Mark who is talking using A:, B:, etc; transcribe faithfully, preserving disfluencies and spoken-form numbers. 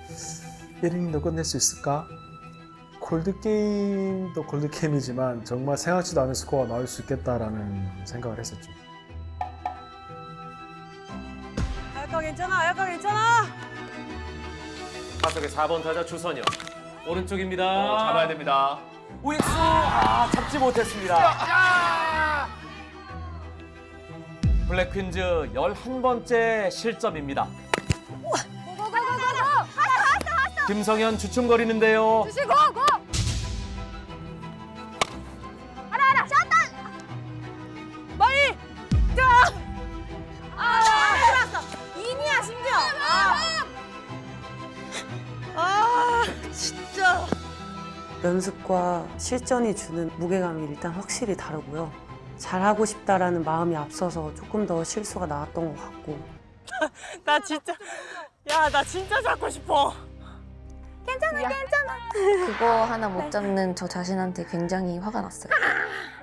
A: 일 이닝도 끝낼 수 있을까? 골드게임도 골드게임이지만 정말 생각지도 않은 스코어가 나올 수 있겠다라는 생각을 했었죠.
B: 아야카 괜찮아, 아야카 괜찮아.
C: 타석의 사 번 타자 주선영. 오른쪽입니다.
D: 어, 잡아야 됩니다.
C: 우익수 아 잡지 못했습니다. 블랙퀸즈 열한 번째 실점입니다. 김성현 주춤거리는데요.
E: 주시 고 고. 알아 알아. 샷단.
B: 마이. 자.
E: 아, 들어왔어. 인이야 심지어. 아.
B: 아, 진짜.
F: 연습과 실전이 주는 무게감이 일단 확실히 다르고요. 잘하고 싶다라는 마음이 앞서서 조금 더 실수가 나왔던 것 같고.
B: 나 진짜. 야, 나 진짜 잡고 싶어.
E: 괜찮아 괜찮아.
G: 그거 하나 못 잡는 저 자신한테 굉장히 화가 났어요.